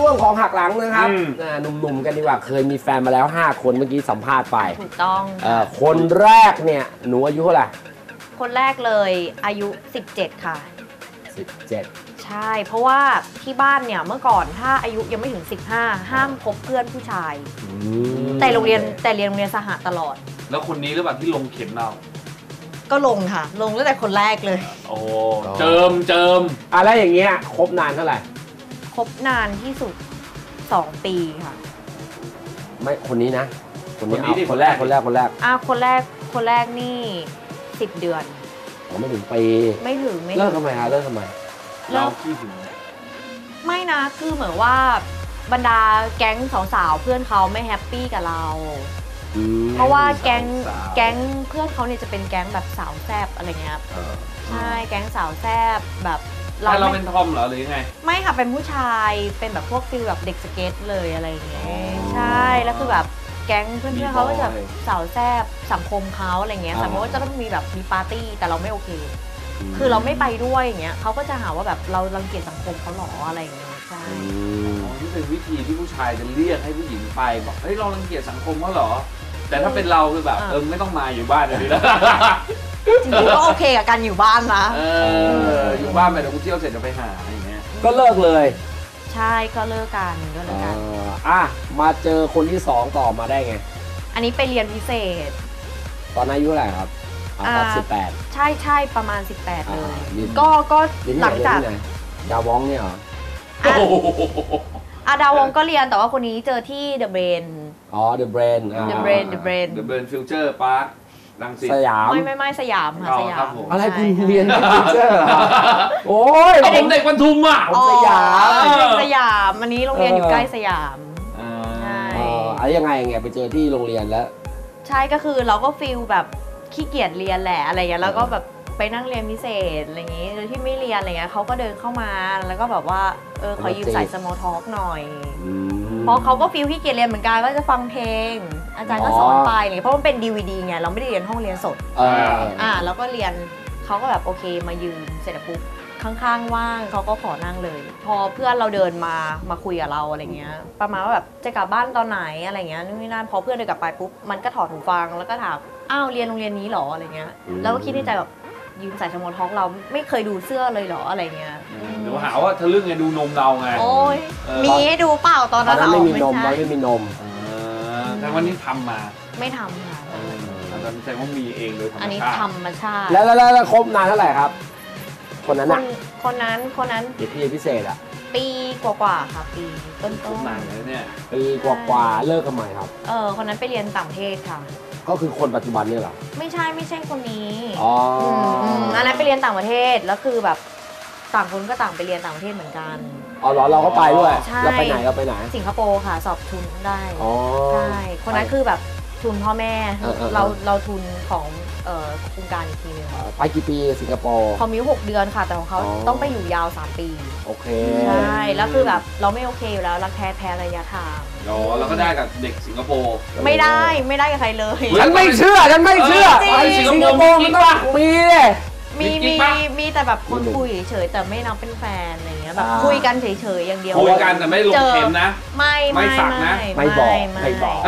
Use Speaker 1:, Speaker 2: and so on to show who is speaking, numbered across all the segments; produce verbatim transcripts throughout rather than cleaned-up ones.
Speaker 1: วงของหักหลังนะครับหนุ่มๆกันดีกว่าเคยมีแฟนมาแล้วห้าคนเมื่อกี้สัมภาษณ์ไป
Speaker 2: ถูกต้อง
Speaker 1: คนแรกเนี่ยหนูอายุเท่าไหร่
Speaker 2: คนแรกเลยอายุสิบเจ็ดค่ะ
Speaker 1: สิบเจ็ด
Speaker 2: ใช่เพราะว่าที่บ้านเนี่ยเมื่อก่อนถ้าอายุยังไม่ถึงสิบห้าห้ามคบเพื่อนผู้ชายแต่โรงเรียนแต่เรียนโรงเรียนสหตลอด
Speaker 3: แล้วคนนี้หรือเปล่าที่ลงเข็มเรา
Speaker 2: ก็ลงค่ะลงตั้งแต่คนแรกเลย
Speaker 3: โอ้เจิมเจิม
Speaker 1: อะไรอย่างเงี้ยคบนานเท่าไหร่
Speaker 2: คบนานที่สุดสองปีค่ะ
Speaker 1: ไม่คนนี้นะคนนี้เอาคนแรกคนแรกคนแรก
Speaker 2: อ่ะคนแรกคนแรกนี่สิบเดือน
Speaker 1: ผมไม่ถึงปี
Speaker 2: ไม่ถึงไม่
Speaker 1: เลิกทำไมฮะเลิกทำไม
Speaker 3: เราขี้หึง
Speaker 2: ไม่นะคือเหมือนว่าบรรดาแก๊งสาวๆเพื่อนเขาไม่แฮปปี้กับเราเพราะว่าแก๊งแก๊งเพื่อนเขาเนี่ยจะเป็นแก๊งแบบสาวแซบอะไรเงี้ยใช่แก๊งสาวแซบแบบ
Speaker 3: เราเราเป็นทอมเหรอหรือยังไง
Speaker 2: ไม่ค่ะเป็นผู้ชายเป็นแบบพวกฟิลแบบเด็กสเก็ตเลยอะไรเงี้ยใช่แล้วคือแบบแก๊งเพื่อนๆเขาก็จะสาวแซบสังคมเขาอะไรเงี้ยสมมติว่าจะต้องมีแบบมีปาร์ตี้แต่เราไม่โอเคคือเราไม่ไปด้วยอย่างเงี้ยเขาก็จะหาว่าแบบเรารังเกียจสังคมเขาหรออะไรอย่างเงี้ยใช่
Speaker 3: ที่เป็นวิธีที่ผู้ชายจะเรียกให้ผู้หญิงไปบอกเฮ้ยเรารังเกียจสังคมเขาหรอแต่ถ้าเป็นเราคือแบบเออไม่ต้องมาอยู่บ้านเลยนะ
Speaker 2: จริงๆก็โอเคกับการอยู่บ้านนะ
Speaker 3: เอออยู่บ้านไปเดี๋ยวกูเที่ยวเสร็จจะไปหาอะไรอย่างเงี้ย
Speaker 1: ก็เลิกเลย
Speaker 2: ใช่ก็เลิกกันก็เลิกกัน
Speaker 1: อ่ะมาเจอคนที่สองต่อมาได้ไง
Speaker 2: อันนี้ไปเรียนพิเศษ
Speaker 1: ตอนอายุเท่าไหร่ครับอ่าสิบแปด
Speaker 2: ใช่ใช่ประมาณสิบแปดเลยก็ก็หลังจาก
Speaker 1: ดาวองเนี่ยเหรอ
Speaker 2: อ่ะดาวองก็เรียนแต่ว่าคนนี้เจอที่เดอะเบรน
Speaker 1: อ๋อเดอะเบรน
Speaker 2: เดอะเบรนเดอะเบรน
Speaker 3: เดอะเบรนฟิวเจอร์พาร์ครังสิต
Speaker 1: สยาม
Speaker 2: ไม่ไม่ไม่สยามค่ะสยาม
Speaker 1: อะไรคุณเรียนฟิวเจอร์โอ้ย
Speaker 3: ผมเด็กปทุมอ่ะ
Speaker 1: สยาม
Speaker 2: สยามอันนี้โรงเรียนอยู่ใกล้สยาม
Speaker 1: ใช่อะไรยังไงไงไปเจอที่โรงเรียนแล้ว
Speaker 2: ใช่ก็คือเราก็ฟีลแบบขี้เกียจเรียนแหละอะไรอย่างเงี้ยแล้วก็แบบไปนั่งเรียนพิเศษอะไรอย่างงี้โดยที่ไม่เรียนอะไรเงี้ยเขาก็เดินเข้ามาแล้วก็แบบว่าเออขอยืมสาย small talk หน่อยเพราะเขาก็ฟีลขี้เกียจเรียนเหมือนกันก็จะฟังเพลงอาจารย์ก็สอนไปเลยเพราะมันเป็น ดี วี ดี ไงเราไม่ได้เรียนห้องเรียนสดอ่าแล้วก็เรียนเขาก็แบบโอเคมายืมเสร็จปุ๊บข้างๆว่างเขาก็ขอนั่งเลยพอเพื่อนเราเดินมามาคุยกับเราอะไรเงี้ยประมาณว่าแบบจะกลับบ้านตอนไหนอะไรเงี้ยนู่นนี่นั่นพอเพื่อนเดินกลับไปปุ๊บมันก็ถอดหูฟังแล้วก็ถามอ้าวเรียนโรงเรียนนี้หรออะไรเงี้ยแล้วก็คิดในใจแบบยืมใส่สมอลท็อกเราไม่เคยดูเสื้อเลยเหรออะไรเงี้ย
Speaker 3: เดี๋ยวหาว่าทะลึ่งไงดูนมเราไง
Speaker 2: โอ้ยมีให้ดูเปล่าตอนนั้นเรา
Speaker 1: ไม่มีนมไม่มีนม
Speaker 3: แต่วันนี้ทำมา
Speaker 2: ไม่ทำค่ะ
Speaker 3: อาจารย์แสดงว่ามีเองโดยธรรมชาติ
Speaker 2: อันนี้ธรรมชาติ
Speaker 1: แล้วแล้วคบนานเท่าไหร่ครับคนนั้น
Speaker 2: คนนั้นคนนั้น
Speaker 1: เด็กที่พิเศษอ่ะ
Speaker 2: ปีกว่าๆค่ะปีต้นต้น
Speaker 3: นานเลยเนี่ย
Speaker 1: ปีกว่าๆเลิกกันใหม่ครับ
Speaker 2: เออคนนั้นไปเรียนต่างประเทศค่ะ
Speaker 1: ก็คือคนปัจจุบันนี่เหรอ
Speaker 2: ไม่ใช่ไม่ใช่คนนี้
Speaker 1: อ๋อ
Speaker 2: อันนั้นไปเรียนต่างประเทศแล้วคือแบบต่างคนก็ต่างไปเรียนต่างประเทศเหมือนกัน
Speaker 1: อ๋อเหรอเราก็ไปด้วยเราไปไหนเราไปไหน
Speaker 2: สิงคโปร์ค่ะสอบทุนได้ใช่คนนั้นคือแบบทุนพ่อแม่เราเราทุนของโครงการอีกทีนึง
Speaker 1: ไปกี่ปีสิงคโปร์
Speaker 2: เขามีหกเดือนค่ะแต่ของเขาต้องไปอยู่ยาวสามปี
Speaker 1: โอเค
Speaker 2: ใช่แล้วคือแบบเราไม่โอเคอยู่แล้วรักแท้แพ้ระยะทาง
Speaker 3: อ๋อแล้วก็ได้กับเด็กสิงคโปร์
Speaker 2: ไม่ได้ไม่ได้กับใครเลย
Speaker 1: ฉันไม่เชื่อฉันไม่เชื่อไปสิงคโปร์มันต้องมีเลย
Speaker 2: มีมีมีแต่แบบคนคุยเฉยแต่ไม่นับเป็นแฟนอะไรเงี้ยแบบคุยกันเฉยๆอย่างเดียว
Speaker 3: คุยกันแต่ไม่ลงเข็มนะ
Speaker 2: ไม่ไม่
Speaker 3: สักนะ
Speaker 1: ไม่บอกไม่บอก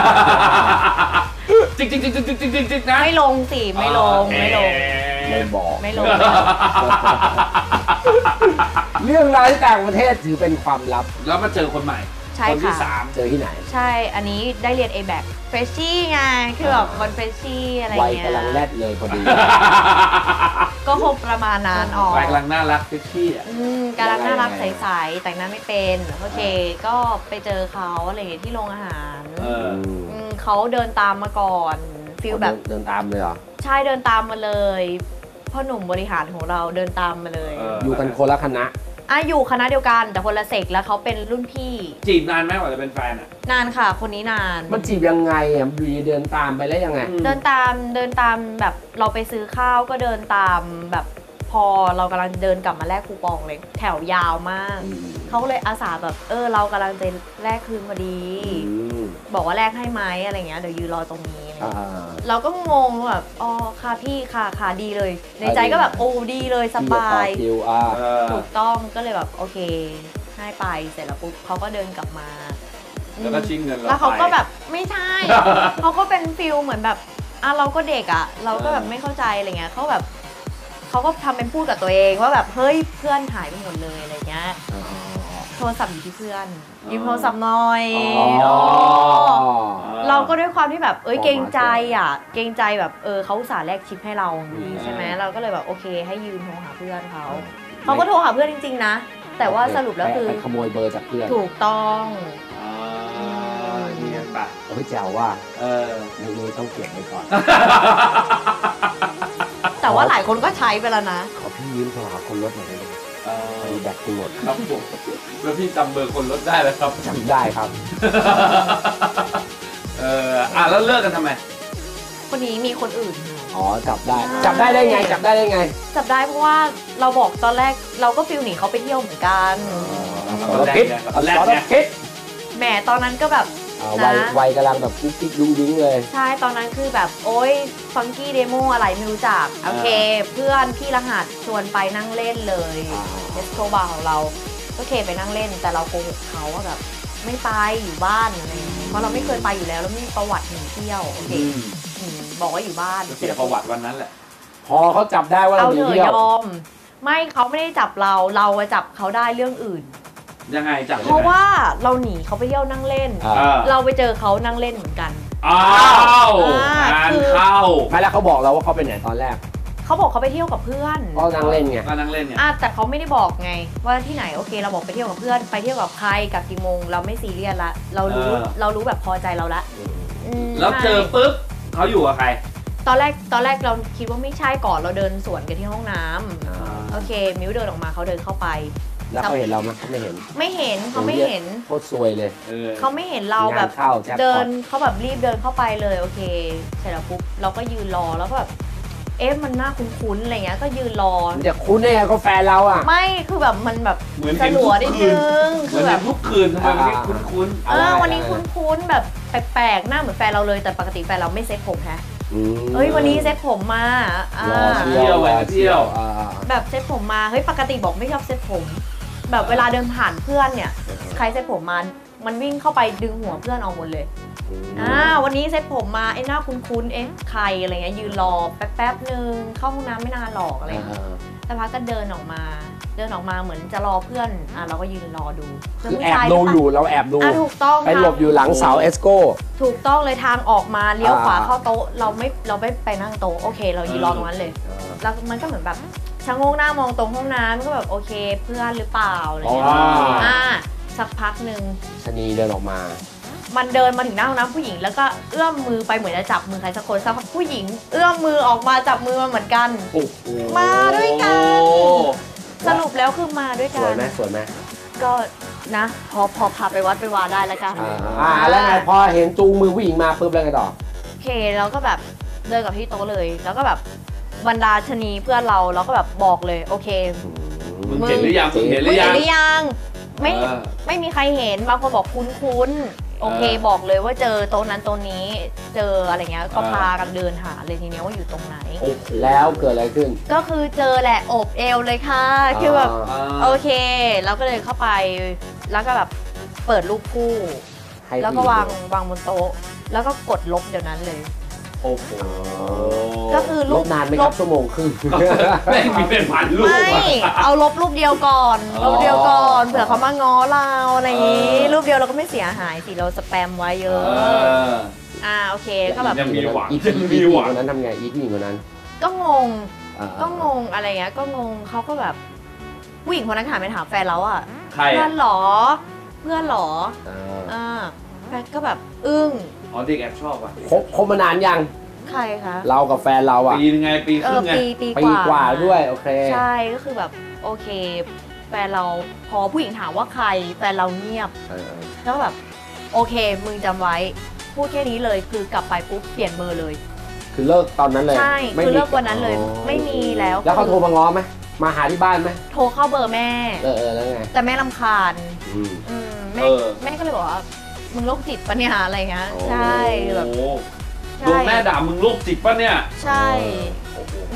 Speaker 3: จริงจริงจริงจริงจริงจริงนะ
Speaker 2: ไม่ลงสิไม่ลงไม่ลง
Speaker 1: ไม่บอก
Speaker 2: ไม่ลง
Speaker 1: เรื่องราวที่ต่างประเทศถือเป็นความลับ
Speaker 3: แล้วมาเจอคนใหม่คนที่สาม
Speaker 1: เจอที่ไหน
Speaker 2: ใช่อันนี้ได้เรียน เอ แบค เฟรชชี่ไงคือแบบคนเฟรชชี่อะไรเงี้ย
Speaker 1: วัยกำลังแรดเลยพอดี
Speaker 2: ก็คงประมาณนั้นอ๋อ
Speaker 3: วัยกำลังน่ารักเฟรชชี่อ่ะ
Speaker 2: กำลังน่ารักใสๆแต่งหน้าไม่เป็นโอเคก็ไปเจอเขาอะไรที่โรงอาหารเขาเดินตามมาก่อนฟีลแบบ
Speaker 1: เดินตามเลยเหรอ
Speaker 2: ใช่เดินตามมาเลยพ่อหนุ่มบริหารของเราเดินตามมาเลย
Speaker 1: อยู่กันคนละคณะ
Speaker 2: อ่ะอยู่คณะเดียวกันแต่คนละเซกแล้วเขาเป็นรุ่นพี่
Speaker 3: จีบนานไหมกว่าจะเป็นแฟนอ่ะ
Speaker 2: นานค่ะคนนี้นาน
Speaker 1: มันจีบยังไงอ่ะบีเดินตามไปแล้วยังไง
Speaker 2: เดินตามเดินตามแบบเราไปซื้อข้าวก็เดินตามแบบพอเรากำลังเดินกลับมาแลกคูปองเลยแถวยาวมากเขาเลยอาสาแบบเออเรากำลังจะแลกคืนพอดีบอกว่าแลกให้ไหมอะไรเงี้ยเดี๋ยวยืนรอตรงนี้เราก็งงแบบอ๋อค่ะพี่ค่ะค่ะดีเลยในใจก็แบบโอ้ดีเลยสบายถูกต้องก็เลยแบบโอเคให้ไปเสร็จแล้วปุ๊บเขาก็เดินกลับมา
Speaker 3: แล้วก็ชิงเงินเรา
Speaker 2: แล้วเขาก็
Speaker 3: ไป
Speaker 2: แบบไม่ใช่ เขาก็เป็นฟิลเหมือนแบบอ่ะเราก็เด็กอ่ะ เราก็แบบไม่เข้าใจอะไรเงี้ยเขาแบบเขาก็ทำเป็นพูดกับตัวเองว่าแบบเฮ้ยเพื่อนหายไปหมดเลยอะไรเงี้ยโทรศัพท์อยู่ที่เพื่อนยืมโทรศัพท์หน่อย
Speaker 1: อ๋อ
Speaker 2: เราก็ด้วยความที่แบบเอ้ยเกรงใจอ่ะเกรงใจแบบเออเขาอุตส่าห์แลกชิปให้เราอย่างนี้ใช่ไหมเราก็เลยแบบโอเคให้ยืมโทรหาเพื่อนเขาเขาก็โทรหาเพื่อนจริงๆนะแต่ว่าสรุปแล้วคือ
Speaker 1: ไปขโมยเบอร์จากเพื่อน
Speaker 2: ถูกต้อง
Speaker 3: อ่าเนียนปะ
Speaker 1: โอ้ยแจ๋วว่า
Speaker 3: เออ
Speaker 1: เรื่องนี้ต้องเก็บไว้ก่อน
Speaker 2: แต่ว่าหลายคนก็ใช้ไปแล้วนะ
Speaker 1: ขอพี่ยืมโทรหาคนรถหน่อยได้ไหม
Speaker 3: เออ
Speaker 1: มีแบตกูหมด
Speaker 3: ครับผมแล้วพี่จำเบอร์คนรถได้เลยครับ
Speaker 1: จำได้ครับ
Speaker 3: เอออ่ะแล้วเลิกกันทำไม
Speaker 2: คนนี้มีคนอื่น
Speaker 1: อ๋อจับได้
Speaker 2: ใช่
Speaker 1: จับได้ได้ไงจับได้ได้ไง
Speaker 2: จับได้เพราะว่าเราบอกตอนแรกเราก็ฟิลหนีเขาไปเที่ยวเหมือนกัน
Speaker 1: สารพิษ
Speaker 3: ตอนแรก
Speaker 1: สาร
Speaker 3: เนี่ย
Speaker 1: พิษ
Speaker 2: แหมตอนนั้นก็แบบ
Speaker 1: อ่าวัย
Speaker 2: นะ
Speaker 1: วัยกำลังแบบกุ๊กกิ๊กดุ้งดิ้งเลย
Speaker 2: ใช่ตอนนั้นคือแบบโอ๊ยฟังกี้เดโมอะไรไม่รู้จักโอเค เพื่อนพี่รหัสชวนไปนั่งเล่นเลย
Speaker 1: อ่า
Speaker 2: เอสโคบาร์ของเราก็เคไปนั่งเล่นแต่เราโกหกเขาว่าแบบไม่ไปอยู่บ้านอะไรอย่างเงี้ยเพราะเราไม่เคยไปอยู่แล้วแล้วไม่มีประวัติหนีเที่ยวโอเค
Speaker 3: อืม
Speaker 2: อืมบอกว่าอยู่บ้าน
Speaker 3: เสียประวัติวันนั้นแหละ
Speaker 1: พอเขาจับได้ว่า
Speaker 2: เอา
Speaker 1: เราหนี
Speaker 2: เถอะ
Speaker 1: เที่ย
Speaker 2: ยว อม ไม่เขาไม่ได้จับเราเราอะจับเขาได้เรื่องอื่น
Speaker 3: ยังไงจับ
Speaker 2: เพราะว่าเราหนีเขาไปเที่ยวนั่งเล่น
Speaker 1: อ่า
Speaker 3: อ่า
Speaker 2: เราไปเจอเขานั่งเล่นเหมือนกัน
Speaker 3: อ้าว
Speaker 2: อ่าง
Speaker 3: าน
Speaker 2: คือ
Speaker 3: เข้า
Speaker 1: ไม่แล้วเขาบอกเราว่าเขาไปไหนตอนแรก
Speaker 2: เขาบอกเขาไปเที่ยวกับเพื่อน
Speaker 1: ก็นั่งเล่นไง
Speaker 3: ก็นั่งเล่นเนี่ย
Speaker 2: อ่ะแต่เขาไม่ได้บอกไงว่าที่ไหนโอเค เราบอกไปเที่ยวกับเพื่อนไปเที่ยวกับใครกับกี่โมงเราไม่ซีเรียสละเรารู้เรารู้แบบพอใจเราละอืม
Speaker 3: แล้วเจอปุ๊บเขาอยู่กับใคร
Speaker 2: ตอนแรกตอนแรกเราคิดว่าไม่ใช่ก่อนเราเดินสวนกันที่ห้องน้ำโอเค มิวเดินออกมาเขาเดินเข้าไป
Speaker 1: แล้วเขาเห็นเราไหมเขาไม่เห็น
Speaker 2: ไม่เห็นเขาไม่เห็น
Speaker 1: โคตรซวยเลย
Speaker 3: เออ
Speaker 2: เขาไม่เห็นเราแบบ
Speaker 1: งานเข้าแจ็คพอต
Speaker 2: เดินเขาแบบรีบเดินเข้าไปเลยโอเคเสร็จแล้วปุ๊บเราก็ยืนรอแล้วก็แบบเอ๊ะมันน่าคุ้นๆอะไรเงี้ยก็ยืนรอ
Speaker 1: มันจะคุ้นได้ไงเขาแฟนเราอ่ะ
Speaker 2: ไม่คือแบบมันแบบ
Speaker 3: เหมือน
Speaker 2: ส
Speaker 3: เห็น
Speaker 2: ลั
Speaker 3: ทุ
Speaker 2: ว
Speaker 3: ก
Speaker 2: นิด
Speaker 3: คื
Speaker 2: นึ
Speaker 3: น
Speaker 2: ง
Speaker 3: เห
Speaker 2: คื
Speaker 3: มือ
Speaker 2: อน แบ
Speaker 3: เห็
Speaker 2: บ
Speaker 3: นทุกคืนทำไมวันนี้คุ้น
Speaker 2: เออวันนี้คุ้นๆแบบแปลกๆหน้าเหมือนแฟนเราเลยแต่ปกติแฟนเราไม่เซ็ตผมฮะ
Speaker 1: อืม
Speaker 2: เฮ้ยวันนี้เซ็ตผมมาอ่าร
Speaker 1: อเที่ยวรอเที่ยวอ่า
Speaker 2: แบบเซ็ตผมมาเฮ้ยปกติบอกไม่ชอบเซ็ตผม แบบเวลาเดินผ่านเพื่อนเนี่ยใครเซ็ตผมมามันวิ่งเข้าไปดึงหัวเพื่อนออกหมดเลยอ่าวันนี้เซ็ตผมมาไอ้หน้าคุ้นๆเอ๊ะใครอะไรเงี้ยยืนรอแป๊บๆนึงเข้าห้องน้ำไม่นานหรอกอะไรเงี้ยแต่พักก็เดินออกมา เดินออกมาเหมือนจะรอเพื่อนอ่ะเราก็ยืนรอดู
Speaker 1: คือแอบดูอยู่เราแอบดู
Speaker 2: อ่ะถูกต้อง
Speaker 1: ไปหลบอยู่หลังเสาเอสโก้
Speaker 2: ถูกต้องเลยทางออกมาเลี้ยวขวา
Speaker 1: อ่า
Speaker 2: เข้าโต๊ะเราไม่เราไม่ไปนั่งโต๊ะโอเค เรายืนรอตรงนั้นเลยแล้วมันก็เหมือนแบบชะโงกหน้ามองตรงห้องน้ำก็แบบโอเคเพื่อนหรือเปล่าอะไร
Speaker 1: อ๋อ
Speaker 2: เงี้ยอ่าสักพักหนึ่ง
Speaker 1: ชะนีเดินออกมา
Speaker 2: มันเดินมาถึงหน้าห้องน้ำผู้หญิงแล้วก็เอื้อมมือไปเหมือนจะจับมือใครสักคนสักพักผู้หญิง เอื้อมมือออกมาจับมือมาเหมือนกัน
Speaker 3: โอ้โห
Speaker 2: มาด้วยกัน
Speaker 3: โอ้
Speaker 2: สรุปแล้วคือมาด้วย
Speaker 1: ส
Speaker 2: กั
Speaker 1: วย
Speaker 2: น
Speaker 1: ไหมสวยไหม
Speaker 2: ก็นะ พอพอพาไปวัดไปวาได้แล้วกัน
Speaker 1: อ่าอ่าแล้วไงพอเห็นจูงมือผู้หญิงมาปุ๊บแล้วไงต่อ
Speaker 2: โอเคเราก็แบบเดินกับที่โต๊ะเลย แล้วก็แบบบรรดาชนีเพื่อนเราเราก็แบบบอกเลยโอเค
Speaker 3: มึงเห็นหรือยังมึงเห็นห
Speaker 2: มึ
Speaker 3: รื
Speaker 2: ง
Speaker 3: อ
Speaker 2: เห็
Speaker 3: ยั
Speaker 2: น
Speaker 3: ง
Speaker 2: หรือยังไม่
Speaker 3: เออ
Speaker 2: ไม่มีใครเห็นบางคนบอกคุ้นๆโอเค
Speaker 3: เออ
Speaker 2: บอกเลยว่าเจอโต๊ะนั้นโต๊ะนี้เจออะไรเงี้ยก็
Speaker 3: เออ
Speaker 2: พากันเดินหาเลยทีเนี้ยว่าอยู่ตรงไหน
Speaker 3: โอ้โห
Speaker 1: แล้วเกิดอะไรขึ้น
Speaker 2: ก็คือเจอแหละโอบเอวเลยค่ะคือแบบ
Speaker 3: อ่า
Speaker 2: โอเคแล้วก็เดินเข้าไปแล้วก็แบบเปิดรูปคู่
Speaker 1: ให้
Speaker 2: แล้วก็
Speaker 1: ผู้หญิ
Speaker 2: วางวางบนโต๊ะ แล้วก็กดลบเดี๋ยวนั้นเลย
Speaker 3: โอ้โห
Speaker 2: ก็คือ
Speaker 1: ล
Speaker 2: รู
Speaker 1: บ
Speaker 2: ป
Speaker 1: นานไหม
Speaker 2: ล
Speaker 1: ครับ บชั่วโมงครึ่ง
Speaker 3: แม่งมีเป็นพันลูก
Speaker 2: ไม่
Speaker 3: อะ
Speaker 2: เอาลบรูปเดียวก่อน
Speaker 3: อ๋อ
Speaker 2: รูปเดียวก่อนเผื่อเขามาง้อเราอะไรอย่างนี้
Speaker 3: เออ
Speaker 2: รูปเดียวเราก็ไม่เสียหายสิเราสแปมไว้เย
Speaker 3: เอ
Speaker 2: อะ
Speaker 3: อ
Speaker 2: อ่าโอเคก็แบบ
Speaker 3: ยังมีหวัง
Speaker 1: อี
Speaker 3: ยังมี
Speaker 1: ผู้หญิง
Speaker 3: หวัง
Speaker 1: คนนั้นทำไงอีผู้หญิงคนนั้น
Speaker 2: ก็งง
Speaker 1: อ่า
Speaker 2: ก็งงอะไรเงี้ยก็งงเขาก็แบบผู้หญิงคนนั้นถามไปถามแฟนเราอ่ะ
Speaker 3: ใคร
Speaker 2: เพื่อ
Speaker 3: อะ
Speaker 2: นเหรอ เพื่อนเหรอ
Speaker 1: อ่า
Speaker 2: อ่าแฟนก็แบบอึ้ง
Speaker 3: อ๋อเด็กแอบชอบอ่ะ
Speaker 1: คบคบมานานยัง
Speaker 2: ใครคะ
Speaker 1: เรากับแฟนเราอ่ะ
Speaker 3: ปีนึงไงปีค
Speaker 2: เอ
Speaker 3: รึ่
Speaker 2: อง
Speaker 3: ไง
Speaker 2: ปีปี
Speaker 1: ปีกว่าด้วยโอเค
Speaker 2: ใช่ก็คือแบบโอเค แฟนเราพอผู้หญิงถามว่าใครแฟนเราเงียบ
Speaker 1: เออ
Speaker 2: แล้วก็แบบโอเคมึงจำไว้ พูดแค่นี้เลยคือกลับไปปุ๊บเปลี่ยนเบอร์เลย
Speaker 1: คือเลิกตอนนั้นเลย
Speaker 2: ใช่
Speaker 1: ไม่
Speaker 2: คือ
Speaker 1: มี
Speaker 2: เลิกวันนั้นเลย
Speaker 1: อ๋อ
Speaker 2: ไม่มีแล้ว
Speaker 1: แล้วเขาโทรมาง้อไหมมาหาที่บ้านไหม
Speaker 2: โทรเข้าเบอร์แม่
Speaker 1: เออเออแล้วไง
Speaker 2: แต่แม่รำคาญ
Speaker 1: อืม
Speaker 2: อืมแม่
Speaker 3: เออ
Speaker 2: แม่ก็เลยบอกว่ามึงโรคจิตปะเนี่ยอะไรเงี้ย
Speaker 1: โอ้
Speaker 2: ใช่แบบ
Speaker 3: โอ้โห
Speaker 2: ใช่
Speaker 3: โดนแม่ด่ามึงโรคจิตปะเนี่ย
Speaker 2: ใช่
Speaker 3: โอ้โห
Speaker 2: อืม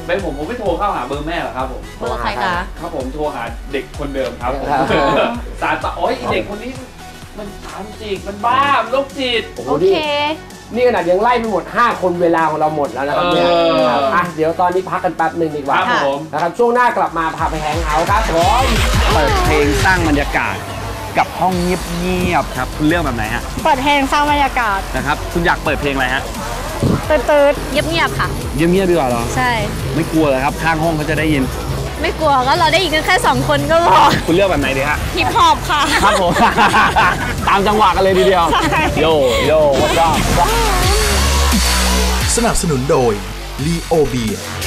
Speaker 3: เป็นผมผมไม่โทรเข้าหาเบอร์แม่หรอกครับผม
Speaker 2: เบอร์ใครคะ
Speaker 3: ครับผมโทรหาเด็กคนเดิมครับผม
Speaker 1: ครับ
Speaker 3: สารต่อโอ้ยเด็กคนนี้มันสารจิกมันบ้ามันโรคจิต
Speaker 1: โอ้โห
Speaker 2: โอ
Speaker 1: นี่
Speaker 2: เค
Speaker 1: นี่ขนาดยังไล่ไปหมดห้าคนเวลาของเราหมดแล้วนะครับเนี่ย
Speaker 3: เออ
Speaker 1: ครับอ่ะเดี๋ยวตอนนี้พักกันแป๊บหนึ่งดีกว่า
Speaker 3: ครับผม
Speaker 1: นะครับช่วงหน้ากลับมาพาไปแฮงเอาท์ครับผม
Speaker 4: เปิดเพลงสร้างบรรยากาศกับห้องเงียบๆครับคุณเลือกแบบไหนฮะ
Speaker 5: เปิดเพลงสร้างบรรยากาศ
Speaker 4: นะครับคุณอยากเปิดเพลงอะไรฮะ
Speaker 5: ตืดๆเงียบๆค่ะ
Speaker 4: เงียบๆดีกว่าเหรอ
Speaker 5: ใช่
Speaker 4: ไม่กลัวเลยครับข้างห้องเขาจะได้ยิน
Speaker 5: ไม่กลัวก็เราได้ยินกันแค่สองคนก็พอ
Speaker 4: คุณเลือกแบบไหนดีฮะ
Speaker 5: ฮิปฮอปค่ะ
Speaker 4: ครับผม ตามจังหวะกันเลยทีเดียว
Speaker 5: ใช่
Speaker 4: โยโย่วัดรอบ
Speaker 6: สนับสนุนโดย ลีโอเบียร์